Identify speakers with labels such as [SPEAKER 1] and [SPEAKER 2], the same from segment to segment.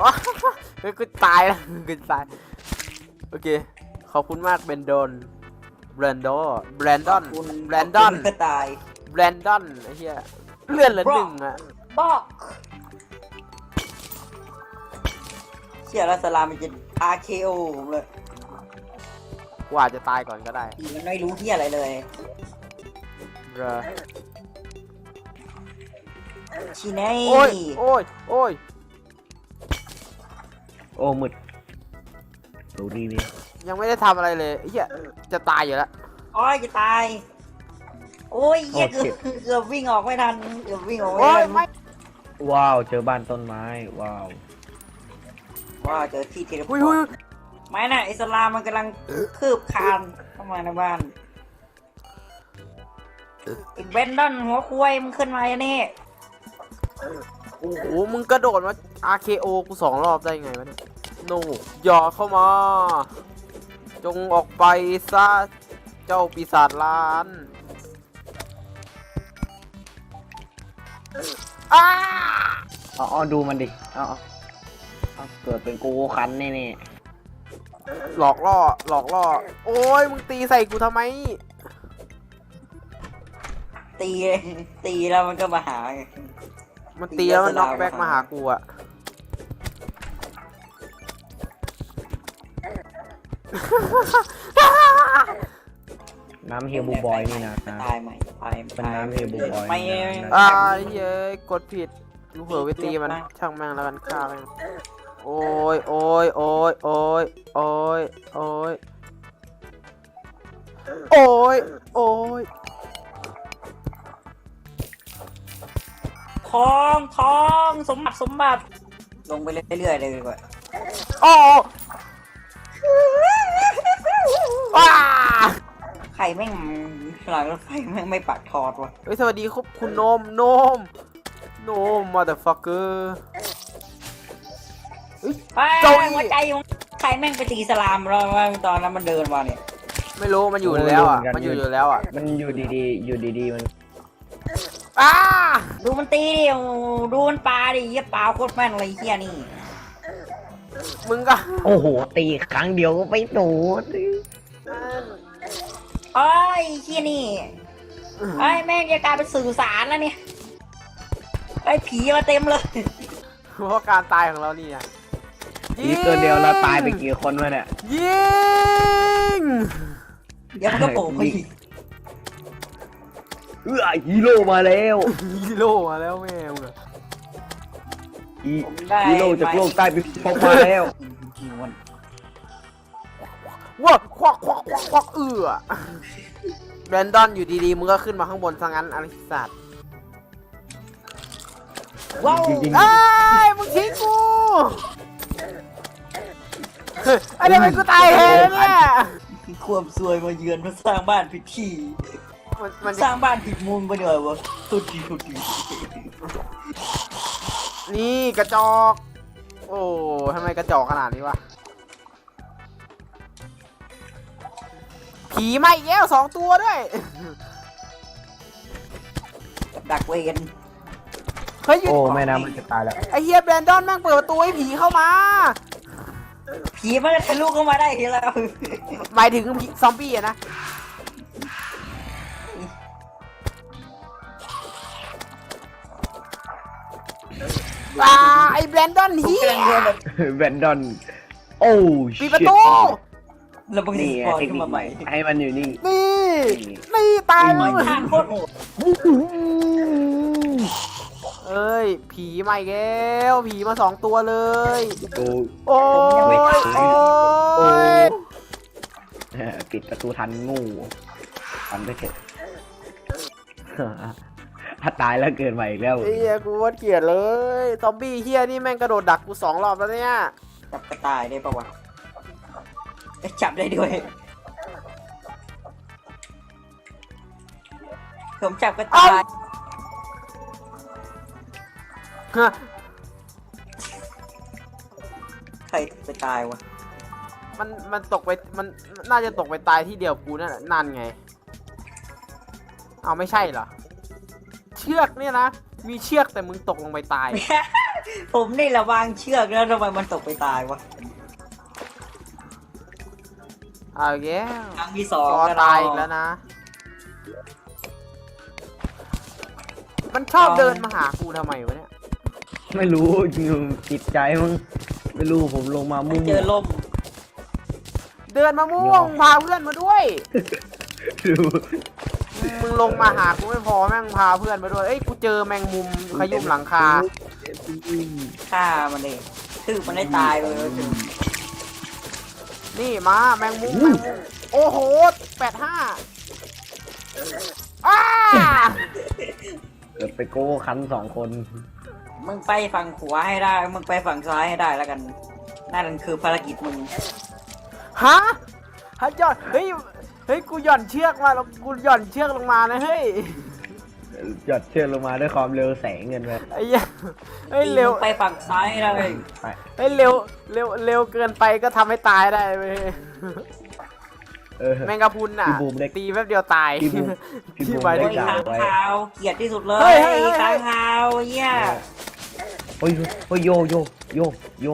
[SPEAKER 1] เฮ้ยกูตายแล้วกูตายโอเคขอบคุณมากเบนดอนแบรนดอนแบรนดอนแบรนดอน
[SPEAKER 2] ก็ตาย
[SPEAKER 1] แบรนดอนไอ้เหี้ยเลื่อนละหนึ่งอะ
[SPEAKER 2] บอกเชี่ยแล้วสลามมันจะ RKO ผมเลย
[SPEAKER 1] กูอาจจะตายก่อนก็ได้
[SPEAKER 2] อีมันไม่รู้ที่อะไรเลย
[SPEAKER 1] เรอ
[SPEAKER 2] ชีเน่
[SPEAKER 1] โอ้ยโอ้ยโอ้ย
[SPEAKER 3] โอ้มืดดูดีนี่
[SPEAKER 1] ยังไม่ได้ทำอะไรเลยไอ้เหี้ยจะตายอยู่แล้ว
[SPEAKER 2] โอ้ยจะตาย โอ้ยเหี้ยเกือบวิ่งออกไม่ทันเกือบวิ่งออกไม่
[SPEAKER 1] โอ้ย
[SPEAKER 2] ทัน
[SPEAKER 1] ไม่
[SPEAKER 3] ว้าวเจอบ้านต้นไม้ว้าว
[SPEAKER 2] ว้าเจอที่เทเลพอ
[SPEAKER 1] อุ้ย
[SPEAKER 2] ร์
[SPEAKER 1] อุ้ย
[SPEAKER 2] ตไม่น่ะอิสลามมันกำลังคืบคลานเข้ามาในบ้านไอ้เบนดอนหัวควายมันขึ้นมาอย่างนี้
[SPEAKER 1] โอ้โหมึงกระโดดมา RKO กู2 รอบได้ไงวะเนี่ยโนอย่าเข้ามา จงออกไปซะเจ้าปีศาจล้านอ้า
[SPEAKER 3] เอาดูมันดิเอาเกิดเป็นกูคันแน่
[SPEAKER 1] หลอกล่อหลอกล่อโอ้ยมึงตีใส่กูทำไม
[SPEAKER 2] ตีตีแล้วมันก็มาหาไง
[SPEAKER 1] มันตีแล้วมันน็อกแบ็กมาหากูอะ
[SPEAKER 3] ๆน้ำเฮลบูบอยนี่นะ
[SPEAKER 2] ตายใหม่ตาย
[SPEAKER 3] เป็นน้ำเฮลบูบอย
[SPEAKER 2] ไม่
[SPEAKER 1] อ้ายเย้ยกดผิดกูเผลอไปตีมันช่างแม่งแล้วกันฆ่าแม่งโอ้ยโอ้ยโอ้ยโอ้ยโอ้ยโอ้ยโอ้ยโอ้ย
[SPEAKER 2] ทองสมบัติลงไปเรื่อยๆเลยดีกว่า
[SPEAKER 1] โอ้ว้า
[SPEAKER 2] ใครแม่งหลังรถไฟแม่งไม่ปักทอดวะ
[SPEAKER 1] เฮ้ยสวัสดีครับคุณโนมโนมมาเดอะฟักเกอร์ เจ้าอี้
[SPEAKER 2] หัวใจมึงใครแม่งไปตีสลามเราตอนนั้นมันเดินมาเนี่ย
[SPEAKER 1] ไม่รู้มันอยู่แล้วอ่ะมันอยู่แล้วอ่ะ
[SPEAKER 3] มันอยู่ดีๆมัน
[SPEAKER 1] อ้า
[SPEAKER 2] ดูมันตีดิโอ้ดูมันปาดิเหี้ยปาโคตรแม่นเลยไอ้เฮียนี่
[SPEAKER 1] มึงก็
[SPEAKER 3] โอ้โหตีครั้งเดียวก็ไปโดน
[SPEAKER 2] โอ้ยเฮียนี่ไอ้ยแม่งจะกลายเป็นสื่อสารแล้วเนี่ยไอ้ผีมาเต็มเลย
[SPEAKER 1] เพราะการตายของเรานี่นะ
[SPEAKER 3] ตีตัวเดียวแล้วตายไปกี่คนวะเนี่ย
[SPEAKER 1] ยิง
[SPEAKER 2] เดี๋ยวมันก็โผล่มาอีก
[SPEAKER 3] ฮีโร่มาแล้ว
[SPEAKER 1] ฮีโร่มาแล้วแม่มึงอะ
[SPEAKER 3] ฮีโร่จากโลกใต้พิภพมาแล้ว
[SPEAKER 1] ว้าควักแบรนดอนอยู่ดีๆมึงก็ขึ้นมาข้างบนซะงั้นอลิสัต
[SPEAKER 2] ว้าว
[SPEAKER 1] เอ้ยมึงทิ้งกูเฮ้ยไอ้เด็กมันกูตายเองเนี่ย
[SPEAKER 2] ความซวยมาเยือนมาสร้างบ้านผิดที่
[SPEAKER 1] มัน
[SPEAKER 2] สร้างบ้านผิดมุมไปหน่อยวะทุกที
[SPEAKER 1] นี่กระจอก โอ้ทำไมกระจอกขนาดนี้วะผีมาอีกแล้ว2 ตัวด้วย
[SPEAKER 2] ดักเวน
[SPEAKER 1] เฮ้ยหยุด
[SPEAKER 3] โอ้แม่น้ำมันจะตายแล้ว
[SPEAKER 1] ไอ้เฮียแบรนดอนแม่งเปิดประตูให้ผีเข้ามา
[SPEAKER 2] ผีมันจะทะลุเข้ามาได้ทีแล้ว
[SPEAKER 1] หมายถึงผีซอมบี้อะนะไอ้แบรนดอนเฮีย
[SPEAKER 3] แวนดอนโอ้
[SPEAKER 1] ปิดประตู
[SPEAKER 2] แล้วมึง
[SPEAKER 3] นี่
[SPEAKER 2] ปล่อย
[SPEAKER 3] เทค
[SPEAKER 2] ขึ้น
[SPEAKER 3] นิค
[SPEAKER 2] มา
[SPEAKER 3] ให
[SPEAKER 2] ให
[SPEAKER 3] ม่
[SPEAKER 2] ม่
[SPEAKER 3] ให้มันอยู่นี่
[SPEAKER 1] นี่ตาย
[SPEAKER 2] ไม่
[SPEAKER 1] มึง
[SPEAKER 2] ทานโคตรโหด
[SPEAKER 1] เอ้ยผีมาอีกแล้วผีมา2 ตัวเลย
[SPEAKER 3] โอ้
[SPEAKER 1] โอ้ยโอ้ย
[SPEAKER 3] ปิดประตูทันงูทันไปเถอะถ้าตายแล้วเกิดใหม่อีกแล้ว
[SPEAKER 1] ไอ้เฮียกูว่าเกลียดเลยซอมบี้เฮียนี่แม่งกระโดดดักกู2 รอบแล้วเนี่ย
[SPEAKER 2] จับกระต่ายได้ปะวะจับได้ด้วยผมจับกระต่าย
[SPEAKER 1] ฮะ
[SPEAKER 2] ใครไปตายวะ
[SPEAKER 1] มันตกไปมันน่าจะตกไปตายที่เดียวกูนั่นแหละนั่นไงเอาไม่ใช่เหรอเชือกเนี่ยนะมีเชือกแต่มึงตกลงไปตาย
[SPEAKER 2] ผมนี่ระวางเชือกแล้วทำไมมันตกไปตายวะ
[SPEAKER 1] เอาแย่
[SPEAKER 2] ครั้งที่สอง
[SPEAKER 1] รอตายอีกแล้วนะ มันชอบเดินมาหากูทำไมวะเนี่ย
[SPEAKER 3] ไม่รู้อยู่จิตใจมึงไม่รู้ผมลงมามุ่ง
[SPEAKER 2] เจอลม
[SPEAKER 1] เดินมาม่วงพาเพื่อนมาด้วย
[SPEAKER 3] ดู
[SPEAKER 1] มึงลงมาหากูไม่พอแม่งพาเพื่อนมาด้วย เอ้ยกูเจอแมงมุมขยุ่มหลังคา
[SPEAKER 2] ฆ่ามันเลยตื้อมันได้ตายเลย
[SPEAKER 1] นี่มาแมงมุมแมงมุมโอ้โห85อ้า
[SPEAKER 3] เกิดไปโก้คัน2 คน
[SPEAKER 2] มึงไปฝั่งขวาให้ได้ มึงไปฝั่งซ้ายให้ได้แล้วกันนั่นคือภารกิจมึง
[SPEAKER 1] ฮะฮะหย่อนเฮ้ย เฮ้ย กูหย่อนเชือกมาแล้วกูหย่อนเชือกลงมานะเฮ้ย
[SPEAKER 3] หยอดเชือกลงมาด้วยความเร็วแสงเงินไป
[SPEAKER 1] ไอ้เหี้ยเฮ้ยเร็ว
[SPEAKER 2] มึงไปฝั่งซ้ายให้ได้
[SPEAKER 3] ไป
[SPEAKER 1] เฮ้ยเร็วเกินไปก็ทำให้ตายได้เว้ย แมงกะพรุนน่ะ
[SPEAKER 3] พี่บูมได้
[SPEAKER 1] ตีแป๊บเดียวตาย
[SPEAKER 3] พี่บูมพี่บูม
[SPEAKER 1] หมายถึ
[SPEAKER 2] โอ้
[SPEAKER 1] ง
[SPEAKER 2] ย
[SPEAKER 3] ได้
[SPEAKER 2] ค้างคาวเกลียดที่สุดเล
[SPEAKER 1] เฮ้
[SPEAKER 2] ย
[SPEAKER 1] ยเฮ้ยเฮ้ย
[SPEAKER 2] ค้างคาวเหี้ย
[SPEAKER 3] โอ้ยโอ้ยโยโยโยโย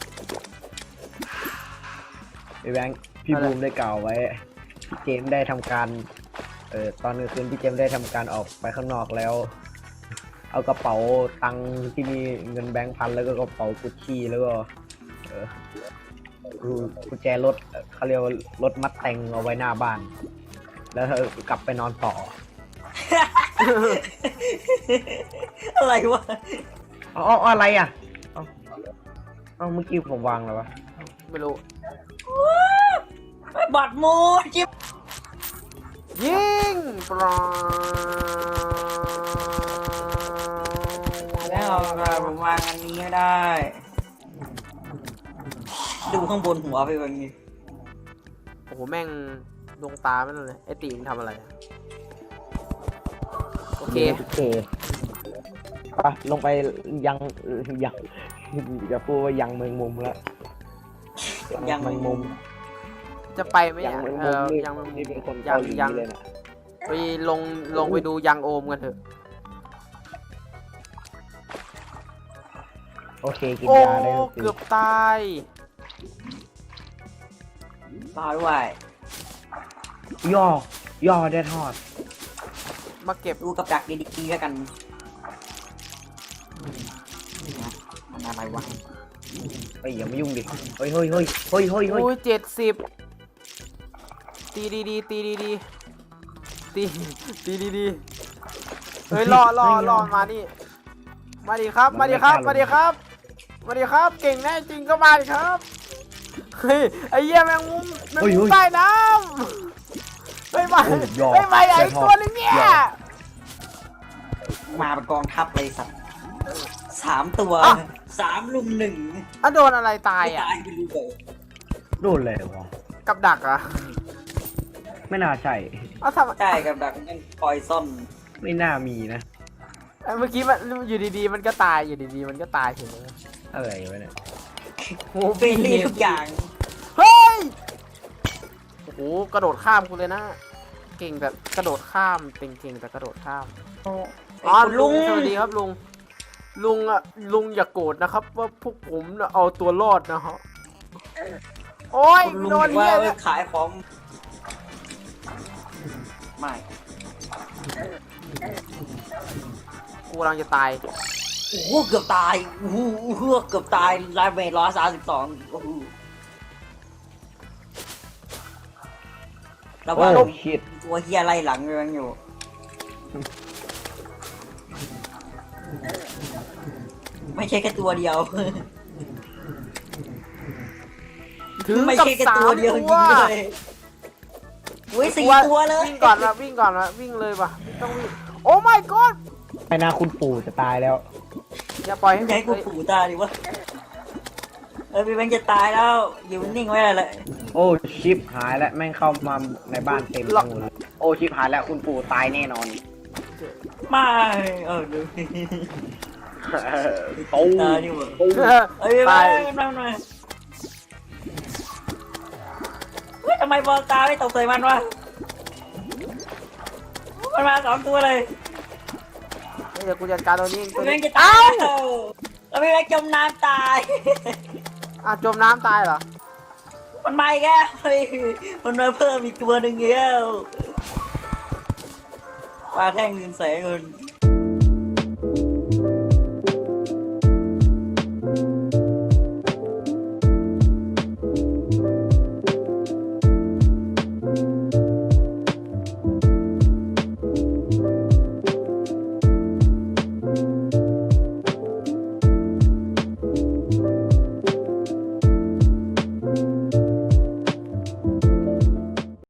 [SPEAKER 3] ไอ้แบงค์พี่บูมได้กล่าวไว้พี่เจมส์ได้ทำการตอนกลางคืนพี่เจมส์ได้ทำการออกไปข้างนอกแล้ว เอากระเป๋าตังค์ที่มีเงินแบงค์พันแล้วก็กระเป๋ากุชชี่แล้วก็กุญแจรถเขาเรียกว่ารถมัดแต่งเอาไว้หน้าบ้าน แล้วกลับไปนอนต่อ
[SPEAKER 2] อะไรวะ
[SPEAKER 3] อ๋ออะไรอ่ะเอาเมื่อกี้ผมวางแล้ววะ
[SPEAKER 1] ไม่รู้
[SPEAKER 2] บัดมูจิ๊บ
[SPEAKER 1] ยิงปลา
[SPEAKER 2] แล้วผมวางอันนี้ไม่ได้ ดูข้างบนหัวไปแบบนี้
[SPEAKER 1] โอ้โหแม่งดวงตาไม่รู้เลยไอ้ตีมงทำอะไรอะโอเค
[SPEAKER 3] โอเคไปลงไปยังจะพูดว่ายังเมืองมุมแล้ว
[SPEAKER 2] ยัง
[SPEAKER 3] เมืองมุม
[SPEAKER 1] จะไปไหม
[SPEAKER 3] ยัง
[SPEAKER 1] อ่ะ
[SPEAKER 3] เมือง
[SPEAKER 1] เอ
[SPEAKER 3] มุม
[SPEAKER 1] อ
[SPEAKER 3] นี่
[SPEAKER 1] ยังเมืองมุม
[SPEAKER 3] นี่เป็นคน
[SPEAKER 1] ยั
[SPEAKER 3] เกาง หลี
[SPEAKER 1] ยัง
[SPEAKER 3] เลยนะ
[SPEAKER 1] ไปลงไปดูยังโอมกันเถอะ
[SPEAKER 3] โอเคกิน
[SPEAKER 1] โอ้
[SPEAKER 3] ยาได้แล้วสิ
[SPEAKER 1] เกือบตาย
[SPEAKER 2] รอด้วย
[SPEAKER 3] ย่อได้ทอด
[SPEAKER 1] มาเก็บ
[SPEAKER 2] ดูกับดักดีๆแล้วกันมันอะไรวะ
[SPEAKER 3] เฮ้ยอย่ามายุ่งดิเฮ้ยโอ้ย
[SPEAKER 1] 70ตีดีๆตีดีๆตีดีๆเฮ้ยรอมานี่มาดิครับมาดิครับมาดิครับมาดิครับ เก่งแน่จริงก็มาดิครับเฮ้ยไอ้เหี้ยแมงมุมใต้น้ำไม่มาไม่มาไอ้ตัวนึงเนี่ย
[SPEAKER 2] มาเป็นกองทัพเลยสัตว์3 ตัว 3 ลุม 1
[SPEAKER 1] อ่ะโดนอะไรตาย
[SPEAKER 2] ไม่
[SPEAKER 1] อ่ะ
[SPEAKER 2] ตายไปรู้เลย
[SPEAKER 3] โดนเลยวะ
[SPEAKER 1] กับดักอ่ะ
[SPEAKER 3] ไม่น่าใช่
[SPEAKER 1] อ้าวทำ
[SPEAKER 2] ใช่กับดักนั่นปอยซ่อน
[SPEAKER 3] ไม่น่ามีนะ
[SPEAKER 1] เมื่อกี้มันอยู่ดีๆมันก็ตายอยู่ดีๆมันก็ตายเฉยเลย
[SPEAKER 3] อะไรวะเนี่ย
[SPEAKER 1] โอ้โห
[SPEAKER 2] เฟรนลี่ทุกอย่าง
[SPEAKER 1] เฮ้ยโอ้โหกระโดดข้ามกูเลยนะ เก่งแต่กระโดดข้ามเก่งแต่กระโดดข้าม อ๋อ
[SPEAKER 2] คุณ
[SPEAKER 1] ลุ
[SPEAKER 2] ลุ
[SPEAKER 1] ง
[SPEAKER 2] ง
[SPEAKER 1] สวัสดีครับลุงลุงอย่าโกรธนะครับว่าพวกผมน่ะเอาตัวรอดนะฮะโอ้ย
[SPEAKER 2] คุณลุง
[SPEAKER 1] โดน
[SPEAKER 2] ว่า
[SPEAKER 1] เหี้ย
[SPEAKER 2] เอ้
[SPEAKER 1] เนี่ย ย
[SPEAKER 2] ขายของไม่
[SPEAKER 1] กูกำลังจะตาย
[SPEAKER 2] โอ้โหเกือบตายโอ้โหเกือบตายไลฟ์เมท132โอ้โหแล้วว่า
[SPEAKER 3] โอ้ชิต
[SPEAKER 2] ตัวเฮียไล่หลังยังอยู่ ไม่ใช่แค่ตัวเดียว
[SPEAKER 1] ถึง
[SPEAKER 2] ไม่
[SPEAKER 1] กับ
[SPEAKER 2] ใช่แค่
[SPEAKER 1] สา
[SPEAKER 2] ตัว
[SPEAKER 1] ม
[SPEAKER 2] เดียว
[SPEAKER 1] ตั
[SPEAKER 2] จ
[SPEAKER 1] ว
[SPEAKER 2] ริงๆเลยอุ้ย4 ตัวเลย
[SPEAKER 1] วิ่งก่อนละวิ่งก่อนละวิ่งเลยป่ะต้องวิ่งโอ้ my god
[SPEAKER 3] ไปนาคุณปู่จะตายแล้ว
[SPEAKER 1] อย่าปล่อยให้
[SPEAKER 2] จะให้กูปู่ตายดิวะพี่แบงค์จะตายแล้วอยู่นิ่งไว้เลย
[SPEAKER 3] โอ้ชิปหายแล้วแม่งเข้ามาในบ้านเต็มไปหมดเลยโอ้ชิปหายแล้วคุณปู่ตายแน่นอน
[SPEAKER 2] ไม่ดู
[SPEAKER 3] โอ้
[SPEAKER 2] ตายนี่หว่า เอ้ย
[SPEAKER 1] ตาย
[SPEAKER 2] มาเฮ้ยทำไมบอลตาไม่ตกใส่มันวะมันมา2 ตัวเลย
[SPEAKER 1] เดี๋ยวกูจัดการตัวนี้เองตัว
[SPEAKER 2] แม่
[SPEAKER 1] นี้
[SPEAKER 2] งจะตายแล้วแล้วพี่แม็กจมน้ำตาย
[SPEAKER 1] จมน้ำตายเหรอ
[SPEAKER 2] มันมาอีกแล้วเฮ้ยมันมาเพิ่มอีกตัวหนึ่งแล้วปลาแท่งเงินแสนเงิน